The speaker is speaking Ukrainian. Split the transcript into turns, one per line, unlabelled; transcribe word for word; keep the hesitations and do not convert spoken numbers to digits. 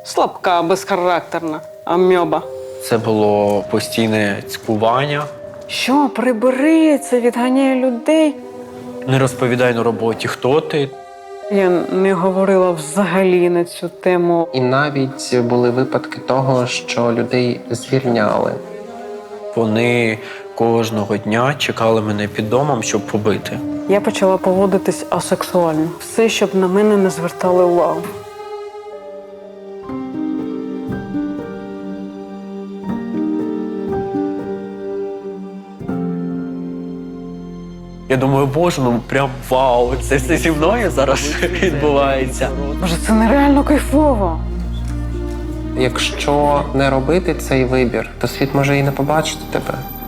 Слабка, безхарактерна, амьоба.
Це було постійне цькування.
Що, прибери, це відганяє людей?
Не розповідай на роботі, хто ти.
Я не говорила взагалі на цю тему.
І навіть були випадки того, що людей звільняли.
Вони кожного дня чекали мене під домом, щоб побити.
Я почала поводитись асексуально. Все, щоб на мене не звертали увагу.
Я думаю, боже, ну прям вау, це все зі мною зараз відбувається.
Боже, це нереально кайфово.
Якщо не робити цей вибір, то світ може і не побачити тебе.